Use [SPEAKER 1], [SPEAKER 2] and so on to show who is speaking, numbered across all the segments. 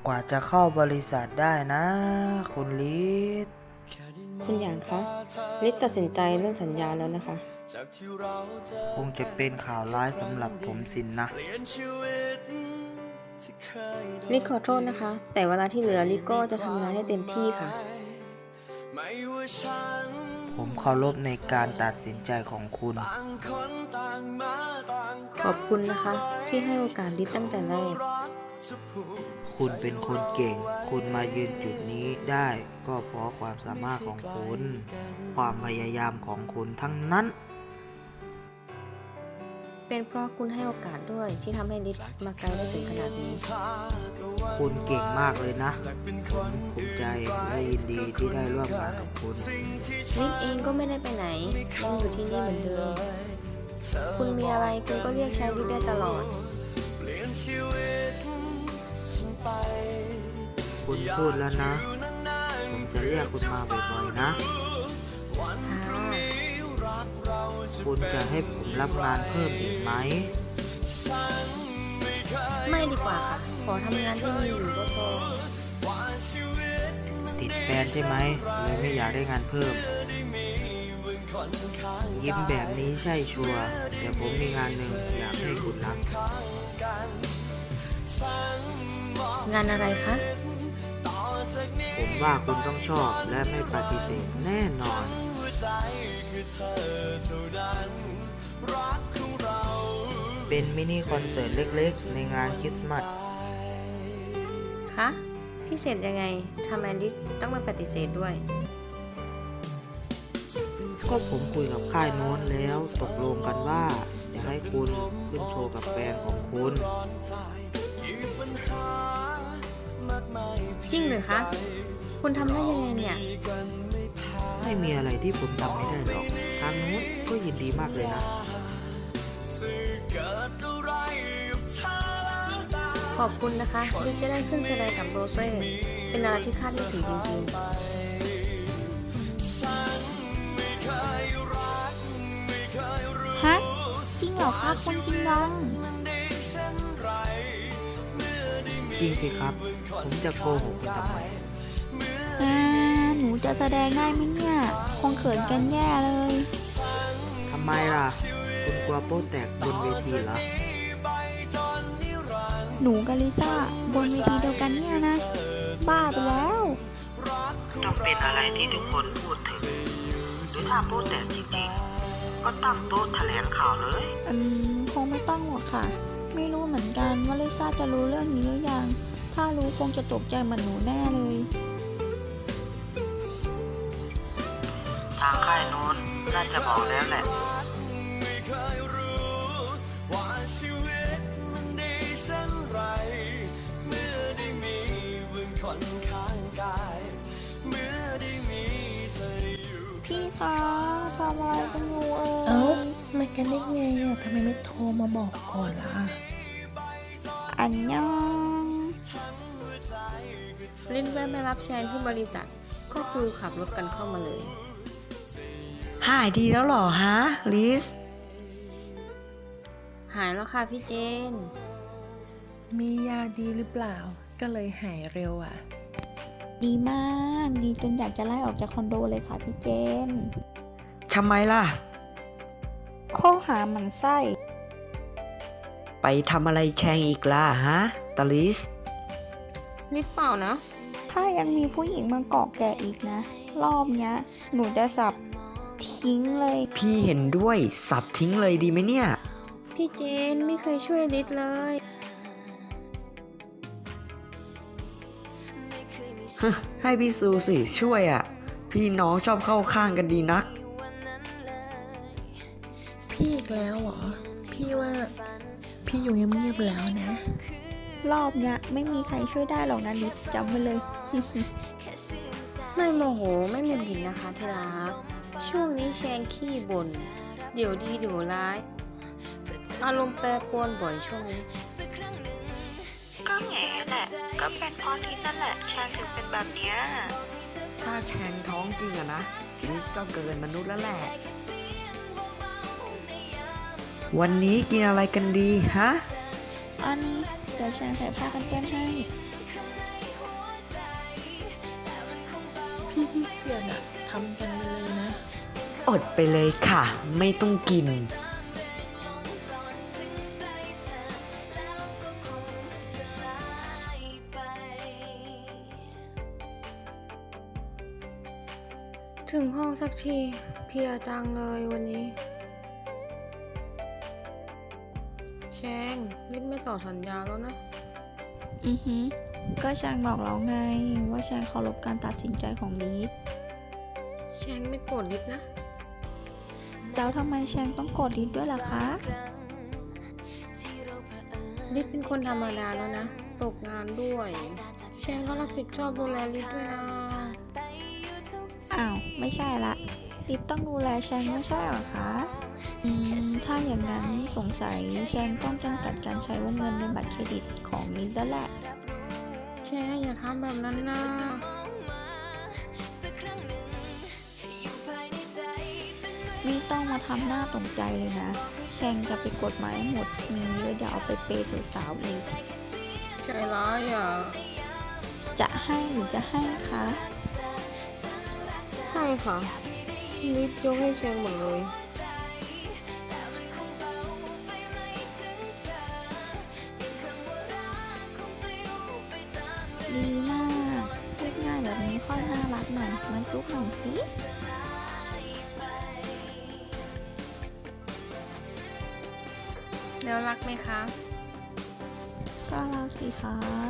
[SPEAKER 1] กว่าจะเข้าบริษัทได้นะคุณลิศ
[SPEAKER 2] คุณหยางคะลิศตัดสินใจเรื่องสัญญาแล้วนะคะ
[SPEAKER 1] คงจะเป็นข่าวร้ายสำหรับผมสินนะ
[SPEAKER 2] ลิศขอโทษนะคะแต่เวลาที่เหลือลิศก็จะทำงานให้เต็มที่ค่ะ
[SPEAKER 1] ผมเคารพในการตัดสินใจของคุณ
[SPEAKER 2] ขอบคุณนะคะที่ให้โอกาสลิศตั้งแต่แรก
[SPEAKER 1] คุณเป็นคนเก่งคุณมายืนจุดนี้ได้ก็เพราะความสามารถของคุณความพยายามของคุณทั้งนั้น
[SPEAKER 2] เป็นเพราะคุณให้โอกาสด้วยที่ทำให้ลิศมาไกลได้ถึงขนาดนี้
[SPEAKER 1] คุณเก่งมากเลยนะผมภูมิใจและยินดีที่ได้ร่วมงานกับคุณ
[SPEAKER 2] ลิศเองก็ไม่ได้ไปไหนยังอยู่ที่นี่เหมือนเดิมคุณมีอะไรคุณก็เรียกใช้ลิศได้ตลอด
[SPEAKER 1] คุณพูดแล้วนะผมจะเรียกคุณมาบ่อยๆนะ
[SPEAKER 2] ค่ะ
[SPEAKER 1] คุณจะให้ผมรับงานเพิ่มอีกไหม
[SPEAKER 2] ไม่ดีกว่าค่ะขอทำงานที่มีอยู่ก็พอ
[SPEAKER 1] ติดแฟนใช่ไหมเลยไม่อยากได้งานเพิ่มยิ้มแบบนี้ใช่ชัวร์แต่ผมมีงานหนึ่งอยากให้คุณรับ
[SPEAKER 2] งานอะไรคะ
[SPEAKER 1] ผมว่าคุณต้องชอบและไม่ปฏิเสธแน่นอนเป็นมินิคอนเสิร์ตเล็กๆในงานคริสต์มาส
[SPEAKER 2] คะพิเศษยังไงทำไมลิศต้องมาปฏิเสธด้วย
[SPEAKER 1] ก็ผมคุยกับค่ายโน้นแล้วตกลงกันว่าอยากให้คุณขึ้นโชว์กับแฟนของคุณ
[SPEAKER 2] จริงหรือคะคุณทำได้ยังไงเนี่ย
[SPEAKER 1] ไม่มีอะไรที่ผมทำไม่ได้หรอกทางโน้นก็ยินดีมากเลยนะ
[SPEAKER 2] ขอบคุณนะคะลิศจะได้ขึ้นแสดงกับโรเซ่เป็นอะไรที่คาดไม่ถึงจริง
[SPEAKER 3] ฮะจริงเหรอคะคุณจริงยัง
[SPEAKER 1] จริงสิครับผมจะโกหกคุณทำไม
[SPEAKER 3] หนูจะแสดงได้ไหมเนี่ยคงเขินกันแย่เลย
[SPEAKER 1] ทำไมล่ะคุณกลัวโป๊แตกบนเวทีเหรอ
[SPEAKER 3] หนูกับลิซ่าบนเวทีเดียวกันเนี่ยนะบ้าไปแล้ว
[SPEAKER 1] ต้องเป็นอะไรที่ทุกคนพูดถึงหรือถ้าโป๊แตกจริงๆก็ตั้งโต๊ะแถลงข่าวเลย
[SPEAKER 3] คงไม่ต้องหรอกค่ะไม่รู้เหมือนกันว่าลิซ่าจะรู้เรื่องนี้หรือยังถ้ารู้คงจะตกใจเหมือนหนูแน่เลย
[SPEAKER 1] ทางค่ายโน้นน่าจะบอกแล้วแหละ
[SPEAKER 3] พี่คะทำอะไรกันอยู่
[SPEAKER 4] เอ้ามากันได้ไงอ่ะทำไมไม่โทรมาบอกก่อนล่ะ
[SPEAKER 3] อันยอง
[SPEAKER 2] ลิศแวะมารับแชนที่บริษัทก็คือขับรถกันเข้ามาเลย
[SPEAKER 4] หายดีแล้วเหรอฮะลิส
[SPEAKER 2] หายแล้วค่ะพี่เจน
[SPEAKER 4] มียาดีหรือเปล่าก็เลยหายเร็วอ่ะ
[SPEAKER 3] ดีมากดีจนอยากจะไล่ออกจากคอนโดเลยค่ะพี่เจน
[SPEAKER 5] ทำไมล่ะ
[SPEAKER 3] ข้อหาหมั่นไส้
[SPEAKER 5] ไปทำอะไรแชงอีกล่ะฮะตาลิส
[SPEAKER 2] ลิศเปล่านะ
[SPEAKER 3] ถ้ายังมีผู้หญิงมาเกาะแกะอีกนะรอบเนี้ยหนูจะสับทิ้งเลย
[SPEAKER 5] พี่เห็นด้วยสับทิ้งเลยดีไหมเนี่ย
[SPEAKER 2] พี่เจนไม่เคยช่วยลิศเลย
[SPEAKER 5] ให้พี่ซูสิช่วยอ่ะพี่น้องชอบเข้าข้างกันดีนัก
[SPEAKER 4] พี่อีกแล้วเหรอพี่ว่าพี่อยู่เงียบๆแล้วนะ
[SPEAKER 3] รอบเนี้ยไม่มีใครช่วยได้หรอกนะลิศจำไว้เลย
[SPEAKER 2] ไม่โมโหไม่หงุดหงิดนะคะที่รักช่วงนี้แชงขี้บ่นเดี๋ยวดีเดี๋ยวร้ายอารมณ์แปรปรวนบ่อยช่วงนี้
[SPEAKER 1] ก็แง่แหละก็เป็นเพราะที่นั่นแหละแชงถึงเป็นแบบนี้
[SPEAKER 5] ถ้าแชงท้องจริงอะนะลิสก็เกินมนุษย์แล้วแหละวันนี้กินอะไรกันดีฮะ
[SPEAKER 3] อันนี้เดี๋ยวแชร์ใส่ผ้ากันเปื้อนให้
[SPEAKER 4] ขี้เกียจอะทำกันไปเลยนะ
[SPEAKER 5] อดไปเลยค่ะ ไม่ต้องกิน
[SPEAKER 2] ถึงห้องสักทีเพลียจังเลยวันนี้แชงรีบไม่ต่อสัญญาแล้วนะ
[SPEAKER 3] อือฮึก็แชงบอกแล้วไง ว่าแชงเคารพการตัดสินใจของลีด
[SPEAKER 2] แชงไม่โกรธลิศนะ
[SPEAKER 3] แล้วทำไมแชงต้องโกรธลีดด้วยล่ะคะ
[SPEAKER 2] ลิศเป็นคนธรรมดาแล้วนะ ตกงานด้วย แชงก็รับผิดชอบดูแลลิศด้วยนะ
[SPEAKER 3] อ้าว ไม่ใช่ละลีดต้องดูแลแชงไม่ใช่เหรอคะ ถ้าอย่างนั้นสงสัยแชงต้องจำกัดการใช้วงเงินในบัตรเครดิตของลีดแล้วแหละ
[SPEAKER 2] แชงอย่าทำแบบนั้นนะ
[SPEAKER 3] ไม่ต้องมาทำหน้าตกใจเลยนะ แชงจะไปกดมาให้หมด มีเยอะเดี๋ยวเอาไปเปย์สาวๆอีก
[SPEAKER 2] ใจร้ายอ่ะ
[SPEAKER 3] จะให้หรือจะให้คะ
[SPEAKER 2] ให้ค่ะลิศยกให้แชงหมดเลย
[SPEAKER 3] ดีมากพูดง่ายแบบนี้ค่อยน่ารักหน่อยมันจุ๊บหน่อยสิ
[SPEAKER 2] แล้วรักไหมคะ
[SPEAKER 3] ก็รักสิคะ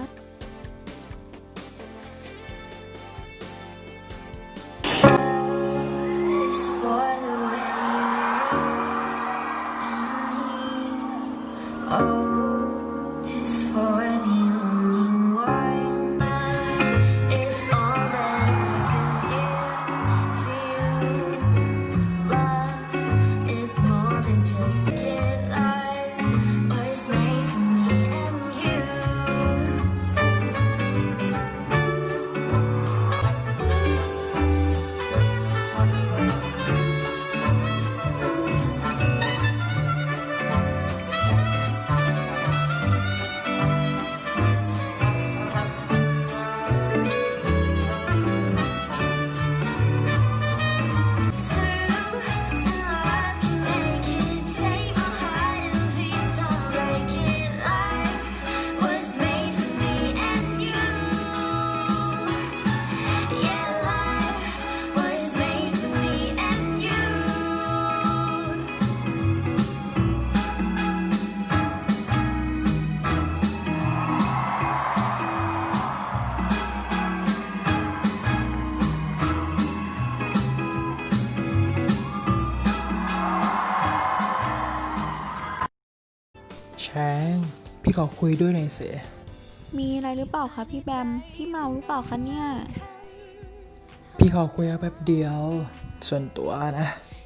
[SPEAKER 6] แชงพี่ขอคุยด้วยหน่อยสิ
[SPEAKER 3] มีอะไรหรือเปล่าคะพี่แบม พี่เมาหรือเปล่าคะเนี่ย
[SPEAKER 6] พี่ขอคุยแป๊บเดียว ส่วนตัวนะ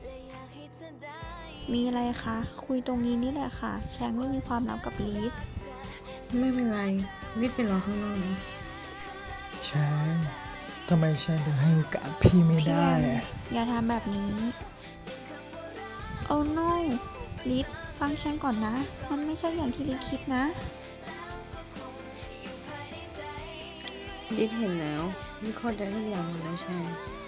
[SPEAKER 3] มีอะไรคะ คุยตรงนี้นี่แหละค่ะ แชงไม่มีความลับกับลีด
[SPEAKER 2] ไม่เป็นไรลิศไปรอข้างนอกนะ
[SPEAKER 6] แชงทำไมแชงถึงให้โอกาสพี่ไม่
[SPEAKER 3] พี่แบ
[SPEAKER 6] ได้
[SPEAKER 3] ม
[SPEAKER 6] อะ
[SPEAKER 3] อย่าทำแบบนี้ โอ้โนลีดฟังแชงก่อนนะ มันไม่ใช่อย่างที่ลีดคิดนะ
[SPEAKER 2] ลิศเห็นแล้วลิศเข้าใจทุกอย่างหมดแล้วแชง